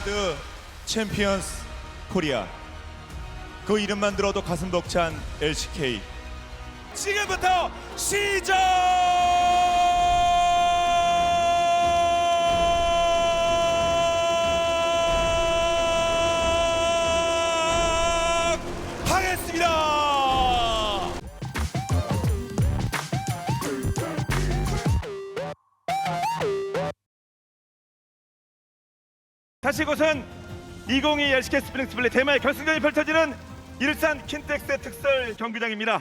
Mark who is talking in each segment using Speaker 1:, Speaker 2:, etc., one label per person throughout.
Speaker 1: 월드 챔피언스 코리아, 그 이름만 들어도 가슴 벅찬 LCK. 지금부터 시작하겠습니다. 다시 이곳은 2022 LCK 스프링 스플릿 대마의 결승전이 펼쳐지는 일산 킨텍스의 특설 경기장입니다.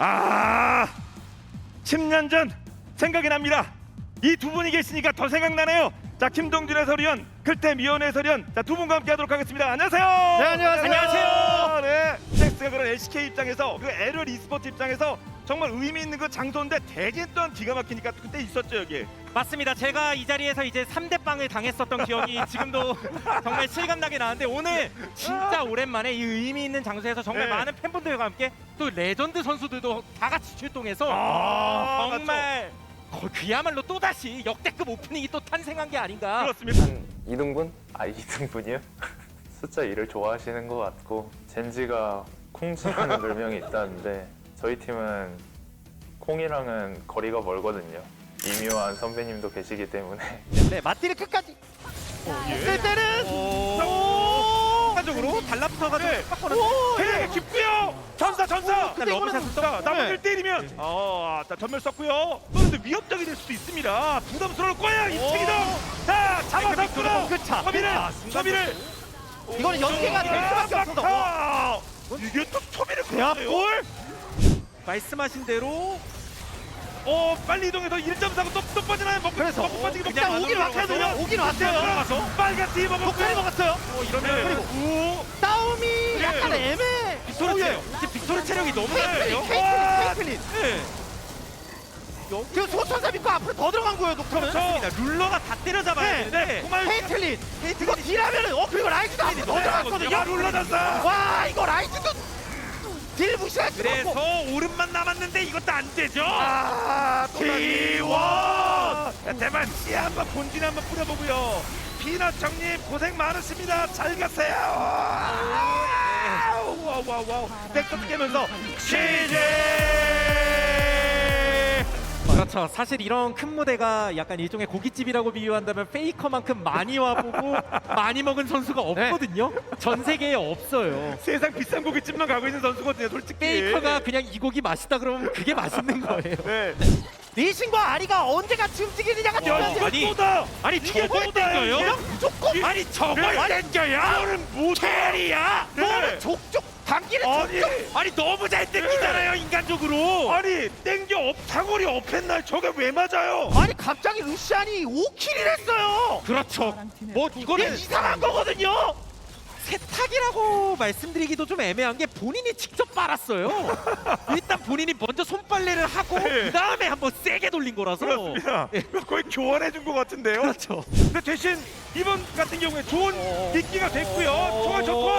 Speaker 1: 10년 전 생각이 납니다. 이 두 분이 계시니까 더 생각나네요. 자, 김동준 해설위원, 클템 이현 해설위원, 자, 두 분과 함께하도록 하겠습니다. 안녕하세요.
Speaker 2: 네, 안녕하세요.
Speaker 1: 안녕하세요. 네, 킨텍스가 그런 LCK 입장에서, 그 LL e스포츠 입장에서 정말 의미 있는 그 장소인데 대진 또한 기가 막히니까 그때 있었죠 여기.
Speaker 2: 맞습니다. 제가 이 자리에서 이제 3대 빵을 당했었던 기억이 지금도 정말 실감나게 나는데, 오늘 진짜 오랜만에 이 의미 있는 장소에서 정말
Speaker 1: 네.
Speaker 2: 많은 팬분들과 함께 또 레전드 선수들도 다 같이 출동해서 정말 그야말로 또다시 역대급 오프닝이 또 탄생한 게 아닌가.
Speaker 1: 그렇습니다.
Speaker 3: 한 2등분? 2등분이요? 숫자 2를 좋아하시는 것 같고, 젠지가 콩지라는 별명이 있다는데 저희 팀은 콩이랑은 거리가 멀거든요. 이묘한 선배님도 계시기 때문에
Speaker 2: 네, 맞디를 끝까지 했을 때는 순간적으로 달라붙어가지고
Speaker 1: 네.
Speaker 2: 빡거든요.
Speaker 1: 되게 깊고요. 전사.
Speaker 2: 근데 러브샷을
Speaker 1: 자, 나머지를 때리면 자, 전멸 썼고요. 그런데 위협적이 될 수도 있습니다. 부담스러울 거야 이 책이동. 자, 잡아서 끌어. 초비를.
Speaker 2: 이거는 연계가 될 수밖에 없어서.
Speaker 1: 이게 또 초비를
Speaker 2: 대합골?
Speaker 1: 끌어요.
Speaker 2: 말씀하신 대로
Speaker 1: 빨리 이동해서 1.4고 또 빠지나요?
Speaker 2: 그래서
Speaker 1: 먹고 빠지기
Speaker 2: 그냥 오긴 왔거든요. 오긴 왔어요.
Speaker 1: 들어가서 빨간 팀 먹고
Speaker 2: 독칼이 먹었어요.
Speaker 1: 이러면
Speaker 2: 그리고 싸움이 약간 애매해. 빅토르 체력. 지금 빅토르 체력이 너무 낮아요. 케이틀린. 지금 소천사 믿고 앞으로 더 들어간 거예요, 녹턴은.
Speaker 1: 그렇습니다.
Speaker 2: 룰러가 다 때려잡아야 되는데. 케이틀린. 이거 딜하면은 그리고 라이즈도 앞으로 더 들어갔거든요.
Speaker 1: 룰러졌어.
Speaker 2: 와, 이거 라이즈도 딜 무시할 수가 없고.
Speaker 1: 그래서 오름만 남았는데 이것도 안 되죠. T1. 대만 씨 한번 본진 한번 뿌려보고요. 피넛 정님 고생 많으십니다. 잘 가세요. 와우. 백업 깨면서 취재.
Speaker 2: 그렇죠. 사실 이런 큰 무대가 약간 일종의 고깃집이라고 비유한다면 페이커만큼 많이 와보고 많이 먹은 선수가 없거든요. 전 세계에 없어요.
Speaker 1: 세상 비싼 고깃집만 가고 있는 선수거든요, 솔직히.
Speaker 2: 페이커가 그냥 이 곡이 맛있다 그러면 그게 맛있는 거예요.
Speaker 1: 네.
Speaker 2: 리신과 아리가 언제 같이 움직이느냐가
Speaker 1: 이것보다
Speaker 2: 이게
Speaker 1: 저걸
Speaker 2: 땡겨요?
Speaker 1: 그냥
Speaker 2: 무조건
Speaker 1: 아니 저걸 땡겨야? 이거는 뭐 캐리야?
Speaker 2: 뭐는 족족 당기는 족족.
Speaker 1: 아니 너무 잘 땡기잖아요 인간적으로. 아니 땡겨 사거리 업했날 저게 왜 맞아요?
Speaker 2: 아니 갑자기 루시안이 5킬을 했어요. 그렇죠. 뭐 이거는 이상한 거거든요. 세탁이라고 말씀드리기도 좀 애매한 게 본인이 직접 빨았어요. 일단 본인이 먼저 손빨래를 하고
Speaker 1: 네.
Speaker 2: 그 다음에 한번 세게 돌린 거라서.
Speaker 1: 그렇습니다.
Speaker 2: 예.
Speaker 1: 거의 교환해 준 것 같은데요.
Speaker 2: 그렇죠.
Speaker 1: 근데 대신 이번 같은 경우에 좋은 미끼가 됐고요. 좋아 좋고.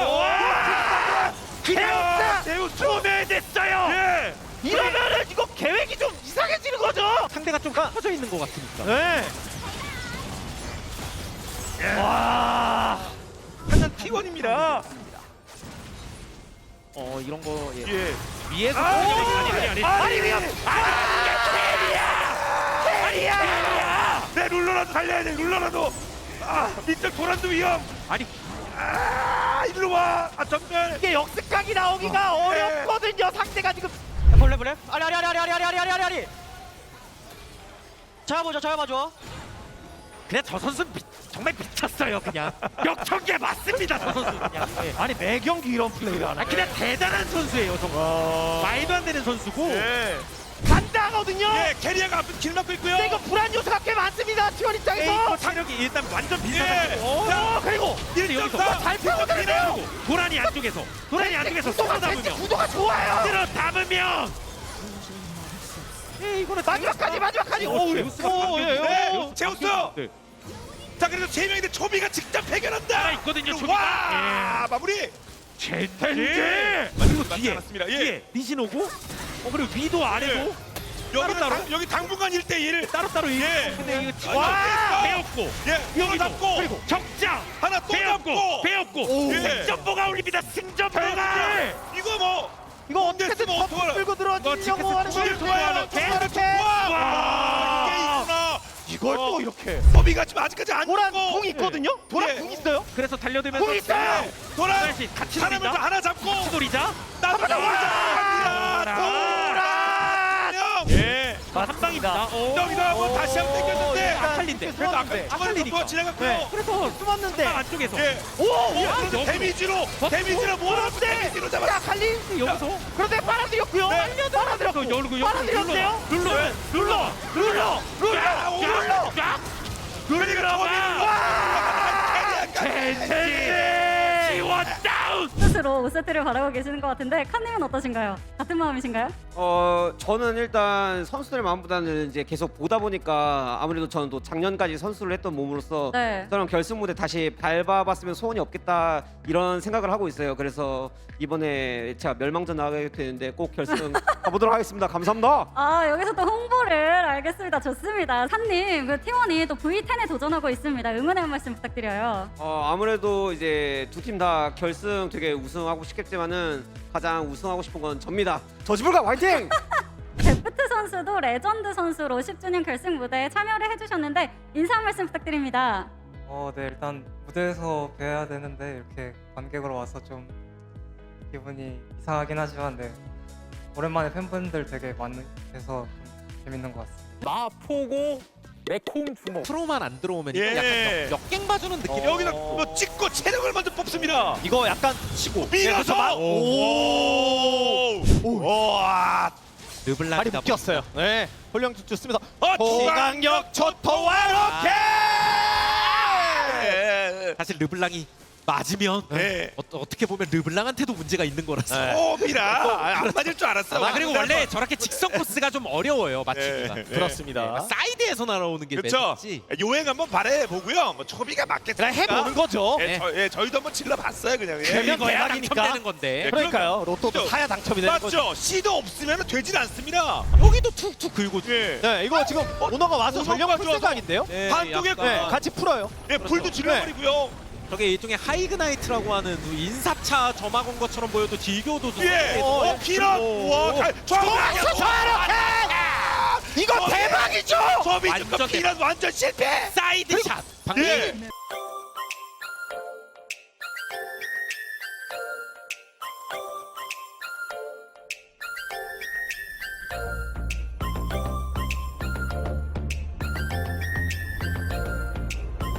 Speaker 1: 제우스 소멸됐어요. 예.
Speaker 2: 이러면은 이거 계획이 좀 이상해지는 거죠. 상대가 좀 커져 있는 것 같으니까. 네.
Speaker 1: 와. 완전 T1입니다.
Speaker 2: 이런 거
Speaker 1: 예.
Speaker 2: 위에서
Speaker 1: 아니 위험. 캐리야. 내 룰러라도 살려야 돼. 룰러라도. 밑쪽 도란도 위험.
Speaker 2: 아니
Speaker 1: 이리로 와. 전멸.
Speaker 2: 이게 역습각이 나오기가
Speaker 1: 네.
Speaker 2: 어렵거든요. 상대가 지금 볼래 아리 잡아줘. 그냥 저 선수 정말 미쳤어요. 그냥 역전개 맞습니다. 저 선수 그냥. 아니 매 경기 이런 플레이를 하는. 그냥 대단한 선수예요. 정말 말도 안 되는 선수고.
Speaker 1: 예.
Speaker 2: 간다거든요.
Speaker 1: 예, 캐리어가 앞에 길 막고 있고요.
Speaker 2: 근데 이거 불안 요소가 꽤 많습니다. T1 입장에서.
Speaker 1: 체력이 일단 완전
Speaker 2: 예.
Speaker 1: 비슷하고.
Speaker 2: 그리고
Speaker 1: 1.4.
Speaker 2: 잘 펴고들어요.
Speaker 1: 도란이 안쪽에서
Speaker 2: 구도가
Speaker 1: 담으면.
Speaker 2: 구도가 좋아요.
Speaker 1: 들어 담으면.
Speaker 2: 이거는 마지막까지.
Speaker 1: 제우스. 자, 그래서 세 명인데 초비가 직접 해결한다.
Speaker 2: 있거든요.
Speaker 1: 와, 마무리.
Speaker 2: 젠지.
Speaker 1: 그리고 뒤에
Speaker 2: 뒤에 리신 오고 그리고 위도 아래고
Speaker 1: 여기
Speaker 2: 따로?
Speaker 1: 여기 당분간 1대1.
Speaker 2: 따로따로 이
Speaker 1: 예.
Speaker 2: 근데 이거 지금
Speaker 1: 와!
Speaker 2: 배웠고
Speaker 1: 예, 이거 잡고
Speaker 2: 그리고 적장
Speaker 1: 하나 또 잡고.
Speaker 2: 배웠고
Speaker 1: 예.
Speaker 2: 승전보가 올립니다. 승전보가
Speaker 1: 이거 뭐
Speaker 2: 이거
Speaker 1: 어떻게든
Speaker 2: 덮고 끌고 들어가려고 하는
Speaker 1: 질 거야.
Speaker 2: 계속
Speaker 1: 와, 이게 있구나.
Speaker 2: 이걸 또 이렇게
Speaker 1: 범위가 지금 아직까지 안
Speaker 2: 도란
Speaker 1: 죽고.
Speaker 2: 궁 있거든요. 도란
Speaker 1: 예.
Speaker 2: 궁 있어요. 그래서 달려들면서
Speaker 1: 궁 있어요. 도란
Speaker 2: 같이
Speaker 1: 사람을
Speaker 2: 노리자.
Speaker 1: 하나 잡고
Speaker 2: 같이 노리자.
Speaker 1: 나도 예.
Speaker 2: 한 방입니다.
Speaker 1: 여기다 뭐 다시 한번 당겼는데
Speaker 2: 아칼린데.
Speaker 1: 그래도 아까
Speaker 2: 아칼리니까.
Speaker 1: 지나갔고요.
Speaker 2: 그래서 숨었는데 안쪽에서.
Speaker 1: 예.
Speaker 2: 오,
Speaker 1: 데미지로 몰아서 데미지로 잡았어.
Speaker 2: 아칼리 여기서. 그런데 빨아들였고요.
Speaker 1: 네.
Speaker 2: 빨아들였고 열고 빨아들였어요. 눌러. 지원 다운.
Speaker 4: 스스로 5세트를 바라고 계시는 것 같은데 칸님은 어떠신가요? 같은 마음이신가요?
Speaker 5: 저는 일단 선수들 마음보다는 이제 계속 보다 보니까 아무래도 저는 또 작년까지 선수를 했던 몸으로서
Speaker 4: 네.
Speaker 5: 저런 결승 무대 다시 밟아봤으면 소원이 없겠다 이런 생각을 하고 있어요. 그래서 이번에 제가 멸망전 나가게 되는데 꼭 결승 가보도록 하겠습니다. 감사합니다.
Speaker 4: 아 여기서 또 홍보를 알겠습니다. 좋습니다. 산님 그 T1이 또 V10에 도전하고 있습니다. 응원의 한 말씀 부탁드려요.
Speaker 5: 아무래도 이제 두 팀 다 결승 되게 우승하고 싶겠지만은 가장 우승하고 싶은 건 접니다. 저지불가 화이팅!
Speaker 4: 데프트 선수도 레전드 선수로 10주년 결승 무대에 참여를 해주셨는데 인사 한 말씀 부탁드립니다.
Speaker 6: 네, 일단 무대에서 뵈야 되는데 이렇게 관객으로 와서 좀 기분이 이상하긴 하지만 네, 오랜만에 팬분들 되게 많으셔서 좀 재밌는 것 같습니다.
Speaker 2: 마포고 매콩 주먹. 프로만 안 들어오면
Speaker 1: 예.
Speaker 2: 약간 역갱 봐주는 느낌.
Speaker 1: 여기다 뭐 찍고 체력을 먼저 뽑습니다.
Speaker 2: 이거 약간 치고
Speaker 1: 밀어서 와.
Speaker 2: 르블랑이 묶였어요.
Speaker 7: 네, 홀령축 좋습니다.
Speaker 1: 중앙력 초토화 로켓.
Speaker 2: 사실 르블랑이 맞으면
Speaker 1: 네.
Speaker 2: 어떻게 보면 르블랑한테도 문제가 있는 거라서.
Speaker 1: 오미라 안 맞을 줄 알았어.
Speaker 2: 그리고 원래 저렇게 직선 코스가 좀 어려워요 맞추기가.
Speaker 1: 네.
Speaker 7: 그렇습니다.
Speaker 2: 사이드에서 날아오는 게
Speaker 1: 그렇죠.
Speaker 2: 매력이지.
Speaker 1: 요행 한번 발휘해 보고요. 뭐 초비가 맞겠습니까?
Speaker 7: 그냥 해보는 거죠.
Speaker 1: 예, 저희도 한번 질러봤어요 그냥. 예.
Speaker 7: 되면
Speaker 2: 이거야
Speaker 7: 대박이니까.
Speaker 2: 당첨되는 건데.
Speaker 1: 네.
Speaker 7: 그러니까요. 로또도
Speaker 1: 그죠?
Speaker 7: 사야 당첨이 되는 거죠.
Speaker 1: 맞죠. 씨도 없으면 되질 않습니다.
Speaker 2: 여기도 툭툭 긁고.
Speaker 1: 예.
Speaker 7: 네, 이거 지금 오너가 와서
Speaker 1: 오너가
Speaker 7: 전력 풀
Speaker 1: 좋아서.
Speaker 7: 생각인데요.
Speaker 1: 반쪽에
Speaker 2: 약간
Speaker 7: 네, 같이 풀어요.
Speaker 1: 예, 불도 질러버리고요.
Speaker 2: 저게 일종의 하이그나이트라고 하는 그 인삽차 점막 온 것처럼 보여도 딜교도 좀
Speaker 1: 예. 피넛. 와,
Speaker 7: 이거 대박이죠.
Speaker 1: 소비
Speaker 2: 완전
Speaker 1: 피넛 완전 실패.
Speaker 2: 사이드 샷. 방금
Speaker 1: 예.